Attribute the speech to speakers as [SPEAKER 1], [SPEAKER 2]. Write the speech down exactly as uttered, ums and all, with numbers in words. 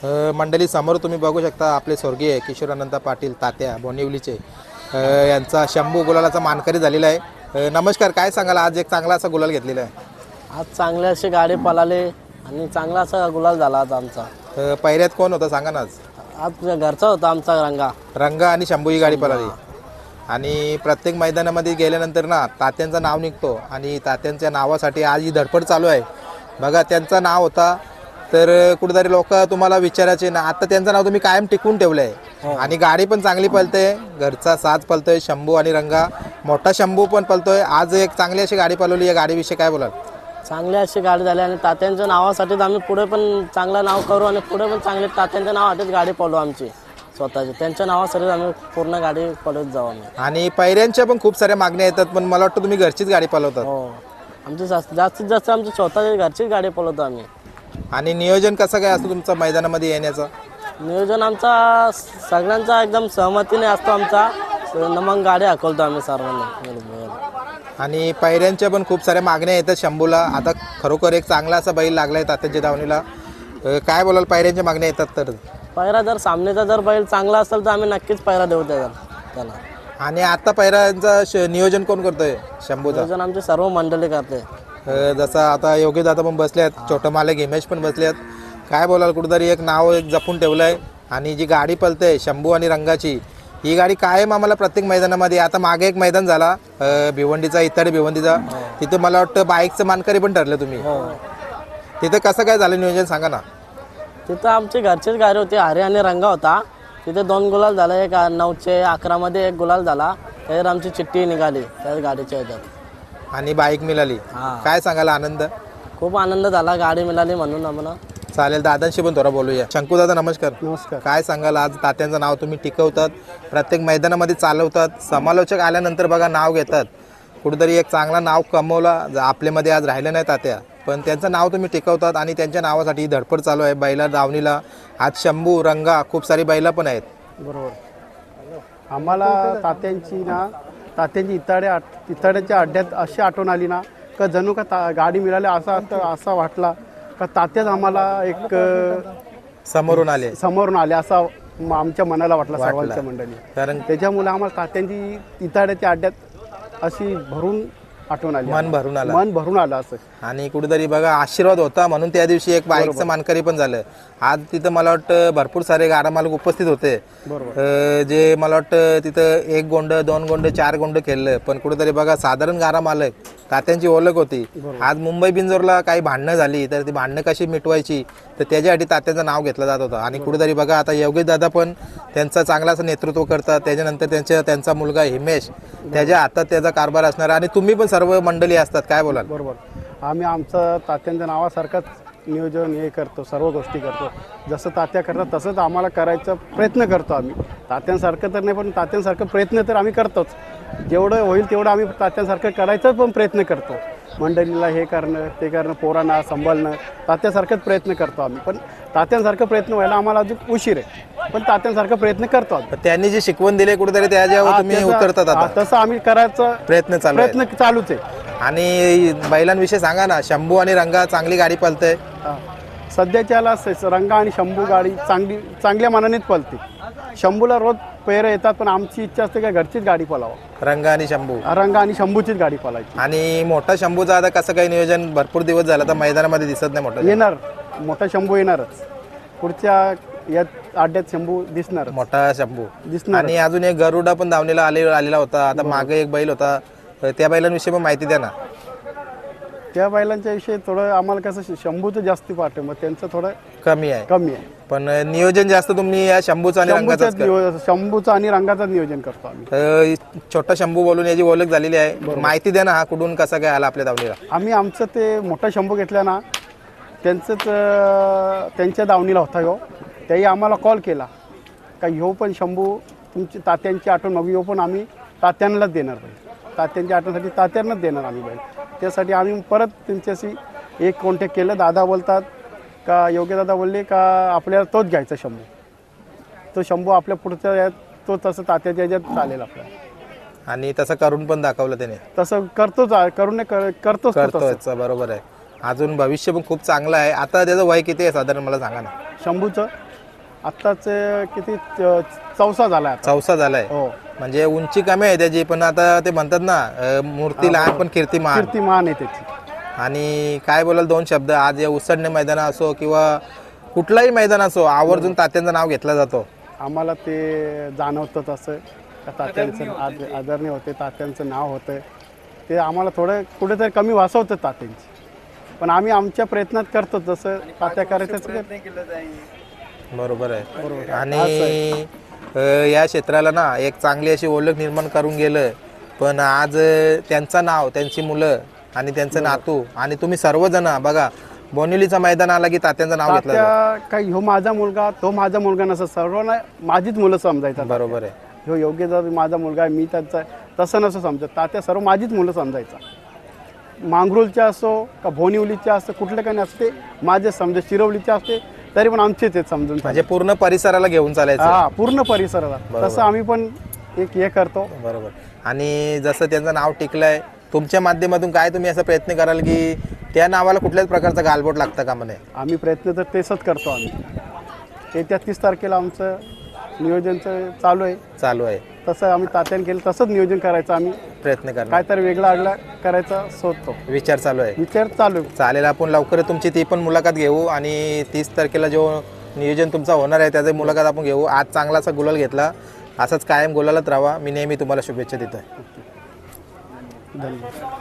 [SPEAKER 1] अ, मंडळी समोर तुम्ही बघू शकता आपले स्वर्गीय किशोरानंद पाटील तात्या बोनिवलीचे अ, यांचा शंभू गुलालाचा मानकरी झालेला आहे। अ, नमस्कार, काय सांगाल? आज एक चांगला असा गुलाल घेतलेला आहे।
[SPEAKER 2] आज चांगले असे गाडी पळाले आणि चांगला असा गुलाल झाला आज आमचा।
[SPEAKER 1] अ, पहिल्यात कोण होता सांगा ना? आज
[SPEAKER 2] आज घरचा होता आमचा रंगा
[SPEAKER 1] रंगा आणि शंभू ही गाडी पळाली आणि प्रत्येक मैदानामध्ये गेल्यानंतर ना तात्यांचं नाव निघतो आणि तात्यांच्या नावासाठी आज ही धडपड चालू आहे। बघा, त्यांचं नाव होता तर कुठेतरी लोक तुम्हाला विचारायचे ना, आता त्यांचं नाव तुम्ही कायम टिकवून ठेवलं आहे आणि गाडी पण चांगली पळते, घरचा साज पळतोय शंभू आणि रंगा, मोठा शंभू पण पळतोय। आज एक चांगली अशी गाडी पळवली, या गाडीविषयी काय बोलाल?
[SPEAKER 2] चांगली अशी गाडी झाली आणि तात्यांच्या नावासाठीच आम्ही पुढे पण चांगलं नाव करू आणि पुढे पण चांगले तात्यांच्या नावासाठीच गाडी पळवू आमची स्वतःची, त्यांच्या नावासाठीच आम्ही पूर्ण गाडी पळवत जाऊ आम्ही।
[SPEAKER 1] आणि पैऱ्यांच्या पण खूप साऱ्या मागण्या येतात, पण मला वाटतं तुम्ही घरचीच गाडी पळवतात।
[SPEAKER 2] हो, आमची जास्त- जास्तीत जास्त आमची स्वतःची घरचीच गाडी पळवतो आम्ही।
[SPEAKER 1] आणि नियोजन कसं काय असतं तुमचं मैदानामध्ये येण्याचं?
[SPEAKER 2] नियोजन आमचा सगळ्यांचा एकदम सहमतीने असतो आमचा, मग गाडी हाकलतो आम्ही सर्वांना।
[SPEAKER 1] आणि पैऱ्यांच्या पण खूप साऱ्या मागण्या येतात शंभूला, आता खरोखर एक चांगला असा बैल लागलाय तात्यांच्या दावणीला। अ, काय बोलाल? पैऱ्यांच्या मागण्या येतात तर
[SPEAKER 2] पैरा जर सामनेचा जर बैल चांगला असेल तर आम्ही नक्कीच पैरा देऊ त्याला त्याला।
[SPEAKER 1] आणि आता पैऱ्यांचं श- नियोजन कोण करतोय शंभूचं?
[SPEAKER 2] नियोजन आमची सर्व मंडळी करते।
[SPEAKER 1] अ, जसं आता योगी दादा पण बसल्यात, छोटं मालक हिमेश पण बसल्यात, काय बोलाल? कुठेतरी एक नाव एक जपून ठेवलं आहे आणि जी गाडी पळते शंभू आणि रंगाची, ही गाडी कायम आम्हाला प्रत्येक मैदानामध्ये, आता मागे एक मैदान झाला अ, भिवंडीचा, इत्यादी भिवंडीचा, तिथे मला वाटतं बाईकचं मानकरी पण ठरलं तुम्ही।
[SPEAKER 2] हो,
[SPEAKER 1] तिथे कसं काय झालं नियोजन सांगा ना?
[SPEAKER 2] तिथं आमची घरचीच गाडी होती, हरे आणि रंगा होता, तिथे दोन गुलाल झाला, एक नऊचे अकरा मध्ये एक गुलाल झाला, त्याच्यात आमची चिठ्ठी निघाली त्या गाडीच्या ह्याच्यात
[SPEAKER 1] आणि बाईक मिळाली,
[SPEAKER 2] हा।
[SPEAKER 1] काय सांगायला आनंद?
[SPEAKER 2] खूप आनंद झाला गाडी मिळाली म्हणून आम्हाला।
[SPEAKER 1] चालेल, दादांशी पण थोडा बोलूया। शंकू दादा नमस्कार।
[SPEAKER 2] नमस्कार।
[SPEAKER 1] काय सांगाल? आज तात्यांचं नाव तुम्ही टिकवतात, प्रत्येक मैदानामध्ये चालवतात, समालोचक आल्यानंतर बघा नाव घेतात, कुठेतरी एक चांगला नाव कमवला आपल्यामध्ये आज राहिलं नाही तात्या, पण त्यांचं नाव तुम्ही टिकवतात आणि त्यांच्या नावासाठी धडपड चालू आहे बैला दावणीला। आज शंभू रंगा खूप सारी बैला पण आहेत।
[SPEAKER 3] बरोबर, आम्हाला तात्यांची ना तात्यांची इताड्या इताड्याच्या अड्ड्यात अशी आठवण आली ना का जणू का ता गाडी मिळाली असा असा वाटला का तात्याच आम्हाला एक अ,
[SPEAKER 1] समोरून आले,
[SPEAKER 3] समोरून आले असा म- आमच्या मनाला वाटला सर्वांच्या मंडळी।
[SPEAKER 1] कारण
[SPEAKER 3] त्याच्यामुळे आम्हाला तात्यांची इताड्याच्या अड्ड्यात अशी भरून आठवण आली,
[SPEAKER 1] मन भरून आलं
[SPEAKER 3] मन भरून आलं असं।
[SPEAKER 1] आणि कुठेतरी बघा आशीर्वाद होता म्हणून त्या दिवशी एक बाईकचं मानकरी पण झालं। आज तिथं मला वाटतं भरपूर सारे गाडा मालक उपस्थित होते,
[SPEAKER 3] बरोबर,
[SPEAKER 1] अ, जे मला वाटतं तिथं एक गोंड दोन गोंड चार गोंड खेळलं, पण कुठेतरी बघा साधारण गाडा मालक तात्यांची ओळख होती। आज मुंबई बिंजोरला काही भांडणं झाली तर ती भांडणं कशी मिटवायची तर त्याच्यासाठी तात्यांचं नाव घेतलं जात होतं। आणि कुठेतरी बघा आता योगेश दादा पण त्यांचं चांगलं असं नेतृत्व करतात, त्याच्यानंतर त्यांच्या त्यांचा मुलगा हिमेश, त्याच्या हातात त्याचा कारभार असणार आणि तुम्ही पण सर्व मंडळी असतात, काय बोलाल?
[SPEAKER 3] बरोबर, आम्ही आमचं तात्यांच्या नावासारखंच नियोजन हे करतो, सर्व गोष्टी करतो, जसं तात्या करतात तसंच आम्हाला करायचा प्रयत्न करतो आम्ही। तात्यांसारखं तर नाही पण तात्यांसारखं प्रयत्न तर आम्ही करतोच, जेवढं होईल तेवढं आम्ही तात्यांसारखं करायचा पण प्रयत्न करतो। मंडळीला हे करणं ते करणं, पोरांना सांभाळणं, तात्यांसारखंच प्रयत्न करतो आम्ही, पण तात्यांसारखं प्रयत्न व्हायला आम्हाला अजून उशीर आहे, पण तात्यांसारखं प्रयत्न करतो आम्ही।
[SPEAKER 1] त्यांनी जे शिकवण दिले कुठेतरी त्याच्यावर तुम्ही
[SPEAKER 3] त्याचा-
[SPEAKER 1] उतरतात
[SPEAKER 3] हा,
[SPEAKER 1] आता,
[SPEAKER 3] तसं आम्ही करायचं
[SPEAKER 1] प्रयत्न चालू आहे।
[SPEAKER 3] प्रयत्न चालूच आहे।
[SPEAKER 1] आणि बैलांविषयी सांगा ना, शंभू आणि रंगा चांगली गाडी पळते।
[SPEAKER 3] हा. सध्याच्याला स- रंगा आणि शंभू गाडी चांगली चांगल्या मानानेच पळते। शंभूला रोज पैर येतात, पण आमची इच्छा असते का घरचीच गाडी पळावं,
[SPEAKER 1] रंगा आणि शंभू
[SPEAKER 3] रंगा आणि शंभूचीच गाडी पळायची।
[SPEAKER 1] आणि मोठा शंभूचा आता कसं काही नियोजन भरपूर दिवस झाला तर मैदानामध्ये दिसत नाही मोठा
[SPEAKER 3] येणार, मोठा शंभू येणारच, पुढच्या या अड्ड्यात शंभू दिसणार
[SPEAKER 1] मोठा शंभू
[SPEAKER 3] दिसणार।
[SPEAKER 1] आणि अजून एक गरुडा पण धावणीला आले आलेला होता, आता मागे एक बैल होता, त्या बैलांविषयी पण माहिती द्या ना।
[SPEAKER 3] त्या बैलांच्या विषयी थोडं आम्हाला कसं शंभूचं जास्त पाठ आहे, मग त्यांचं थोडं
[SPEAKER 1] कमी आहे,
[SPEAKER 3] कमी आहे।
[SPEAKER 1] पण नियोजन जास्त तुम्ही या शंभूचं आणि रंगाचं
[SPEAKER 3] शंभूचं नियो- शंभूचं आणि रंगाचं नियोजन करतो आम्ही।
[SPEAKER 1] छोटा शंभू बोलून याची ओळख झालेली आहे, माहिती द्या ना, हा कुठून कसा काय आला आपल्या धावणीला?
[SPEAKER 3] आम्ही आमचं ते मोठा शंभू घेतला ना, त्यांचंच अं, त्यांच्या दावणीला होता ह्यो, त्याही आम्हाला कॉल केला का ह्यो पण शंभू तुमची तात्यांची आठवण मग ह्यो पण आम्ही तात्यांनाच देणार बैल, तात्यांच्या आठवणसाठी तात्यांनाच देणार आम्ही बैल। त्यासाठी आम्ही परत त्यांच्याशी एक कॉन्टॅक्ट केलं, दादा बोलतात का योग्य दादा बोलले का आपल्याला तोच घ्यायचा शंभू, तो शंभू आपल्या पुढच्या यात तो तसं तात्याच्या याच्यात चालेल आपल्याला,
[SPEAKER 1] आणि तसं करून पण दाखवलं त्याने,
[SPEAKER 3] तसं करतोच करून नाही कर- करतोच तो तसं।
[SPEAKER 1] करतोय, बरोबर आहे। अजून भविष्य पण खूप चांगलं आहे। आता त्याचं वय किती आहे साधारण मला सांगा ना?
[SPEAKER 3] शंभूचं आत्ताच किती च- चौसा झाला आता.
[SPEAKER 1] चौसा झालाय
[SPEAKER 3] हो
[SPEAKER 1] म्हणजे उंची कमी आहे त्याची, पण आता ते म्हणतात ना अ, मूर्ती लहान पण कीर्ती महान.
[SPEAKER 3] कीर्तिमान आहे त्याची.
[SPEAKER 1] आणि काय बोलाल दोन शब्द, आज या उसडणे मैदान असो किंवा कुठलाही मैदान असो आवर्जून तात्यांचं नाव घेतलं जातो.
[SPEAKER 3] आम्हाला ते जाणवतं तसं का तात्यांचं आज आदरणीय होते, तात्यांचं नाव होतं ते आम्हाला थोडं कुठेतरी कमी वाचवतं तात्यांची, पण आम्ही आमच्या प्रयत्नात करतो जसं तात्या करायचं.
[SPEAKER 1] बरोबर आहे. आणि अ, या क्षेत्राला ना एक चांगली अशी ओळख निर्माण करून गेलं, पण आज अ, त्यांचं नाव, त्यांची मुलं आणि त्यांचं नातू आणि तुम्ही सर्वजण बघा, बोनिवलीचं मैदान आला की तात्यांचं नाव घेतलं जातं.
[SPEAKER 3] तात्या काही ह्यो माझा मुलगा तो माझा मुलगा नसं, सर्वांना माझीच मुलं समजायचं.
[SPEAKER 1] बरोबर आहे.
[SPEAKER 3] ह्यो योग्यचा माझा मुलगा आहे, मी त्याचा तसं नसं समजत. तात्या सर्व माझीच मुलं समजायचा. मांगरुलच्या असो का भोनिवलीच्या असो, कुठले काही नसते माझे समजा, शिरवलीचे असते तरी पण आमचे ते समजून
[SPEAKER 1] म्हणजे पूर्ण परिसराला घेऊन चालायचं.
[SPEAKER 3] हा पूर्ण परिसराला तसं आम्ही पण एक हे करतो.
[SPEAKER 1] बरोबर. आणि जसं त्यांचं नाव टिकलंय, तुमच्या माध्यमातून काय तुम्ही असा प्रयत्न कराल की त्या नावाला कुठल्याच प्रकारचा गालबोट लागतं का म्हणे?
[SPEAKER 3] आम्ही प्रयत्न तर तेच करतो. आम्ही येत्या तीस तारखेला आमचं नियोजनचं चालू आहे.
[SPEAKER 1] चालू आहे.
[SPEAKER 3] तसं आम्ही तात्याने केलं तसंच नियोजन करायचं. आम्ही
[SPEAKER 1] प्रयत्न करणार,
[SPEAKER 3] काहीतरी वेगळा आगळा करायचा शोधतो,
[SPEAKER 1] विचार चालू आहे.
[SPEAKER 3] विचार चालू आहे.
[SPEAKER 1] चालेल, आपण लवकर तुमची ती पण मुलाखत घेऊ आणि तीस तारखेला जो नियोजन तुमचा होणार आहे त्याची मुलाखत आपण घेऊ. आज चांगलासा गुलाल घेतला, असंच कायम गुलालत राहा. मी नेहमी तुम्हाला शुभेच्छा देतोय.
[SPEAKER 3] धन्यवाद.